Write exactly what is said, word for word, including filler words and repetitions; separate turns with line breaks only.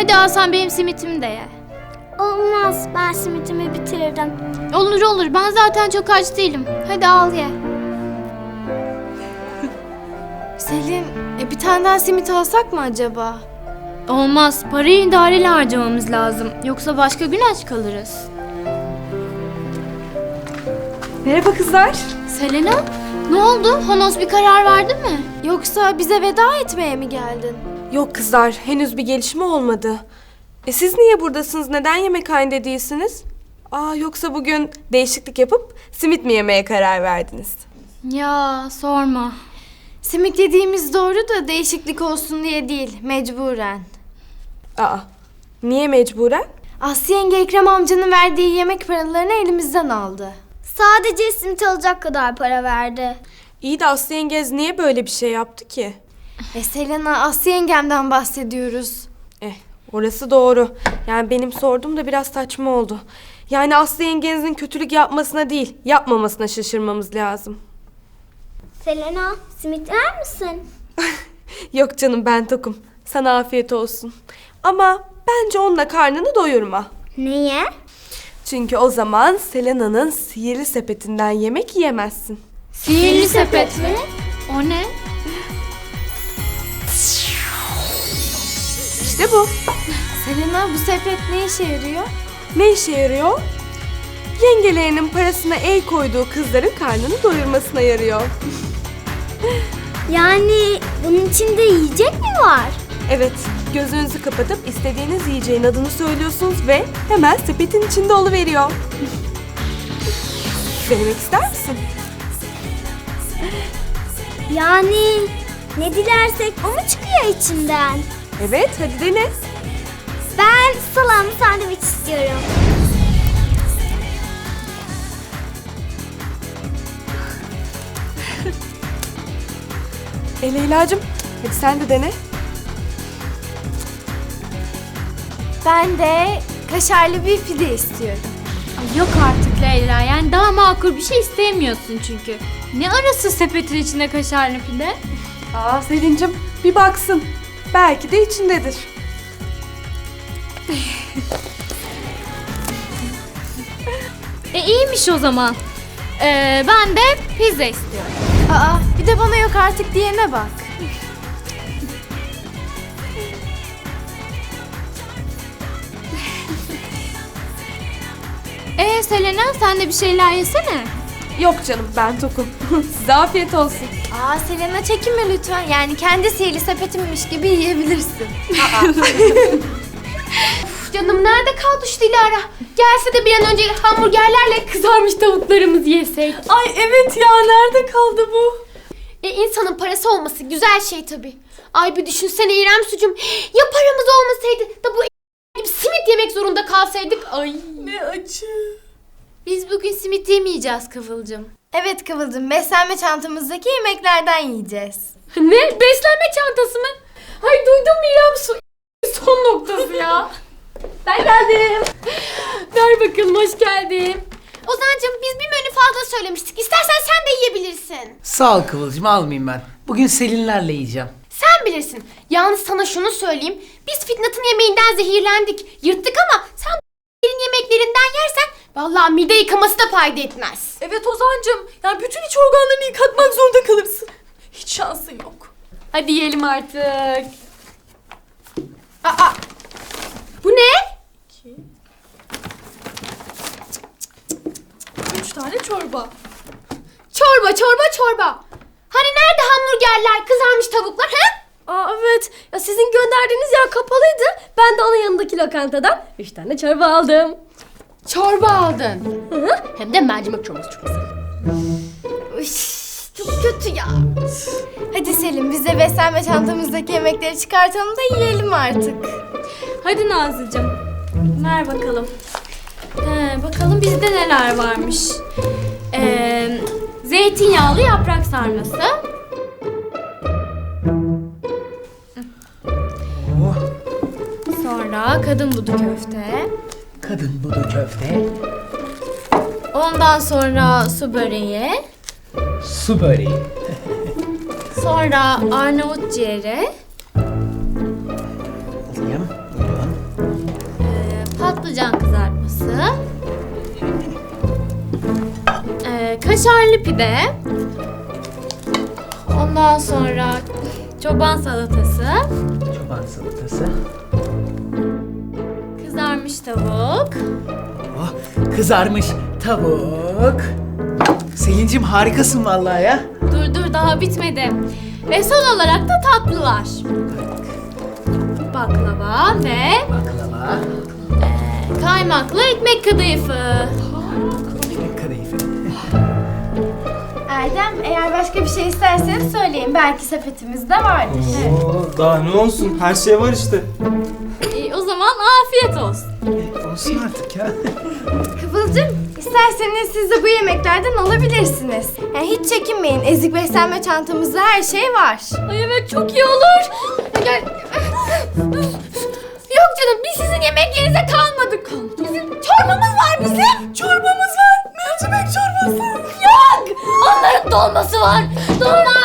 daha sen benim simitimi de ye.
Olmaz, ben simitimi bitiririm.
Olur olur, ben zaten çok aç değilim. Hadi al ye.
Selin, e, bir tane daha simit alsak mı acaba?
Olmaz, parayı idareli harcamamız lazım. Yoksa başka gün aç kalırız.
Merhaba kızlar.
Selena, ne oldu? Honos bir karar verdi mi?
Yoksa bize veda etmeye mi geldin? Yok kızlar, henüz bir gelişme olmadı. E siz niye buradasınız? Neden yemekhanede değilsiniz? Aa, yoksa bugün değişiklik yapıp simit mi yemeye karar verdiniz?
Ya sorma.
Simit yediğimiz doğru da değişiklik olsun diye değil, mecburen. Aa, niye mecburen? Aslı yenge Ekrem amcanın verdiği yemek paralarını elimizden aldı.
Sadece simit alacak kadar para verdi.
İyi de Aslı yengez niye böyle bir şey yaptı ki? E Selena, Aslı yengemden bahsediyoruz. Eh, orası doğru. Yani benim sorduğum da biraz saçma oldu. Yani Aslı yengenizin kötülük yapmasına değil, yapmamasına şaşırmamız lazım.
Selena, simit yer misin?
Yok canım, ben tokum. Sana afiyet olsun. Ama bence onunla karnını doyurma.
Niye?
Çünkü o zaman Selena'nın sihirli sepetinden yemek yiyemezsin.
Sihirli sepet mi? O ne?
İşte bu. Selena, bu sepet ne işe yarıyor? Ne işe yarıyor? Yengelerinin parasına el koyduğu kızların karnını doyurmasına yarıyor.
Yani bunun içinde yiyecek mi var?
Evet, gözünüzü kapatıp istediğiniz yiyeceğin adını söylüyorsunuz ve hemen sepetin içinde oluveriyor. Denemek ister misin?
Yani ne dilersek o mu çıkıyor içinden?
Evet, hadi dene.
Ben salamlı sandviç istiyorum.
E Leyla'cığım, hadi sen de dene. Ben de kaşarlı bir pide istiyorum.
Ay yok artık Leyla, yani daha makul bir şey istemiyorsun çünkü. Ne arası sepetin içinde kaşarlı pide?
Aa Selin'cim, bir baksın. Belki de içindedir.
E iyiymiş o zaman. Ee, ben de pizza istiyorum.
Aa, bir de bana yok artık diyene bak.
Ee Selena, sen de bir şeyler yesene.
Yok canım, ben tokum. Size afiyet olsun. Aa Selena, çekinme lütfen. Yani kendi sihirli sepetimmiş gibi yiyebilirsin.
Canım nerede kaldı şu Dilara? Gelse de bir an önce hamburgerlerle kızarmış tavuklarımızı yesek.
Ay evet ya, nerede kaldı bu?
E insanın parası olması güzel şey tabii. Ay bir düşünsene İrem sucum. Ya paramız olmasaydı da bu gibi simit yemek zorunda kalsaydık. Ay.
Ne acı.
Biz bugün simit yemeyeceğiz Kıvılcım.
Evet Kıvılcım, beslenme çantamızdaki yemeklerden yiyeceğiz.
Ne? Beslenme çantası mı? Ay duydum mu İrem su son noktası ya. Ben geldim. Ver bakalım, hoş geldin. Ozancığım biz bir menü fazla söylemiştik. İstersen sen de yiyebilirsin.
Sağ ol Kıvılcım, almayayım ben. Bugün Selinlerle yiyeceğim.
Sen bilirsin. Yalnız sana şunu söyleyeyim. Biz Fitnat'ın yemeğinden zehirlendik. Yırttık ama sen bu yemeklerinden yersen vallahi mide yıkaması da fayda etmez.
Evet Ozancığım, yani bütün iç organlarını yıkatmak zorunda kalırsın. Hiç şansın yok.
Hadi yiyelim artık. Aa, bu ne?
Üç tane çorba.
Çorba, çorba, çorba. Hani nerede hamburgerler, kızarmış tavuklar ha?
Aa evet. Ya sizin gönderdiğiniz yer kapalıydı. Ben de onun yanındaki lokantadan üç tane çorba aldım.
Çorba aldın. Hı hı. Hem de mercimek çorbası çok güzel.
Üş, çok kötü ya. Hadi Selim, biz de beslenme çantamızdaki yemekleri çıkartalım da yiyelim artık.
Hadi Nazlıcığım, ver bakalım. He, bakalım bizde neler varmış. Ee, zeytinyağlı yaprak sarması.
Oh,
Sonra kadın budu köfte.
kadın budu köfte,
Ondan sonra su böreği.
su böreği,
Sonra Arnavut ciğeri.
alayım, buyurun.
kaşarlı pide. Ondan sonra çoban salatası,
Çoban salatası.
kızarmış tavuk.
Oh, kızarmış tavuk. Selincim harikasın vallahi ya.
Dur dur daha bitmedi. Ve son olarak da tatlılar. Baklava ve
Baklava.
kaymaklı ekmek kadayıfı.
Ekmek kadayıfı.
Erdem, eğer başka bir şey isterseniz söyleyin. Belki sepetimizde vardır.
Oo, daha ne olsun? Her şey var işte.
E, o zaman afiyet olsun.
E, olsun artık ya.
Kıvılcım, isterseniz siz de bu yemeklerden alabilirsiniz. Yani hiç çekinmeyin. Ezik beslenme çantamızda her şey var.
Ay evet çok iyi olur. Gel. Yok canım biz sizin yemeklerinize kalmadık. Bizim çorbamız var bizim. Çorbamız var. Mercimek çorbası. Yok. Onların dolması var. Dolma